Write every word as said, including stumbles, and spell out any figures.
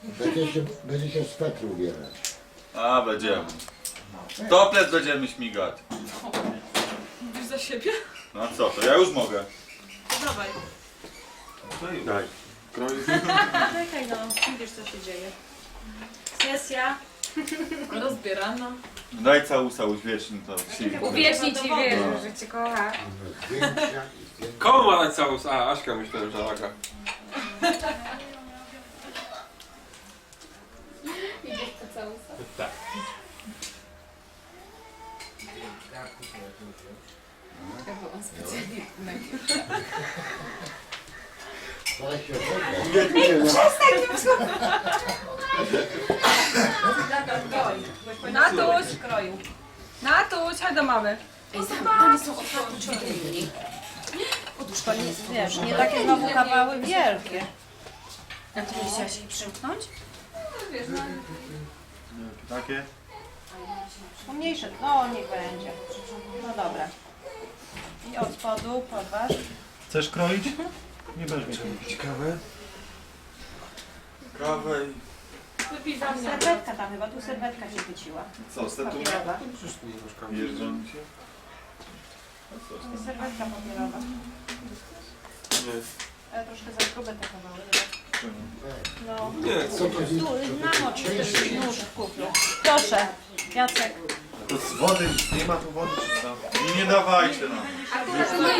Będzie się, będzie się z Petru ubierać. A, będziemy. Toplet będziemy śmigać. Mówisz za siebie? No a co, to ja już mogę. To dawaj. Daj. Czekaj no, widzisz co się dzieje. Sesja. Rozbierana. Daj całusa uświecznij to. siłkę. Uwiecznij ci wierzę, że cię kocha. Zdjęcia i zdjęcia. Komu ma dać całus? A, Aśka myślałem, że Aga. Idziesz po całusa? Tak. Ja byłam specjalnie. Ale się odżegna. Natuś! Kroju. Natuś, chodź do mamy. Ej, to nie są otwarte drzwi. To nie, wiesz, nie takie znowu kawały wielkie. A ty nie chciałaś jej przymknąć? Takie? Pomniejsze, no niech będzie. No dobra. I od spodu podważ. Chcesz kroić? Nie będziesz mi kroić. Kawę? Kawę i... Wypij za mnie. Serwetka tam chyba, tu serwetka się wyciła. Co, statuja? Papierowa. Przecież tu nie mieszkam. Jeżdżą mi się? To jest serwetka papierowa. Nie. Ale troszkę za grube te kawały. No. Nie, Co to jest? Tu, namocz też nóż w kuflu. Proszę, Jacek. To z wody, nie ma tu wody czy co? I nie dawajcie no.